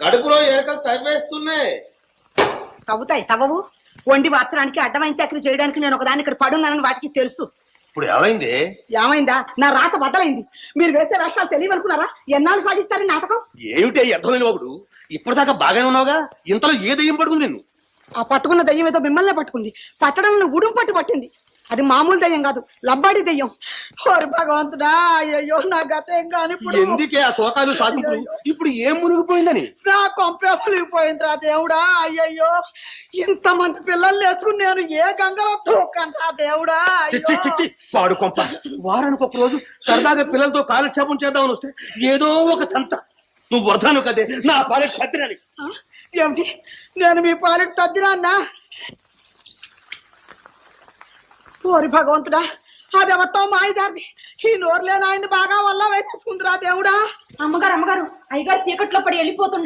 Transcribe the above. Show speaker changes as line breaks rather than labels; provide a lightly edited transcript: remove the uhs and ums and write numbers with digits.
కడుపులో ఏకలు తవ్వేస్తున్నాయి.
తవ్వుతాయి తవ్వవు. వండి వార్చడానికి అడ్డమైన చక్రి చేయడానికి నేను ఒకదాన్ని ఇక్కడ పడున్నానని వాటికి తెలుసు.
ఇప్పుడు ఏమైంది?
ఏమైందా? నా రాత బద్దలైంది. మీరు వేసే వేషాలు తెలియవనుకున్నారా? ఎన్నాళ్ళు సాగిస్తారని నాటకం.
ఏమిటి అర్థమైన ఒకడు? ఇప్పటిదాకా బాగానే ఉన్నావుగా, ఇంతలో ఏ దయ్యం పడుకుంది నిన్ను?
ఆ పట్టుకున్న దయ్యం ఏదో మిమ్మల్నే పట్టుకుంది. పట్టడంలో ఉడుం పట్టింది. అది మామూలు దయ్యం కాదు, లబ్బాడి దయ్యం. ఓరి భగవంతుడా, అయ్యో నా గతం కాని
ఎందుకే ఆ శోకాలు సాధింపు? ఇప్పుడు ఏం మునిగిపోయిందని?
నా కొంపే మునిగిపోయిందిరా దేవుడా. అయ్యయ్యో, ఇంతమంది పిల్లలు నేర్చుకుని నేను ఏ గంగలో తోకంటా దేవుడా.
పాడు కొంప. వారానికి ఒక రోజు సరదాగా పిల్లలతో కాలక్షేపం చేద్దామని వస్తే ఏదో ఒక సంత. నువ్వు వరదాను కదే నా పాలెట్ తద్దిరాని.
ఏమిటి? నేను మీ పాలెట్ తద్దిరాన్నా? ఓరి భగవంతుడా, అదెవతో మాయిదారిది. ఈ నోరులేని ఆయన్ని బాగా వల్ల వేసేసుకుందిరా దేవుడా.
అమ్మగారు అయ్యగారు చీకట్లో పడి వెళ్ళిపోతుండే.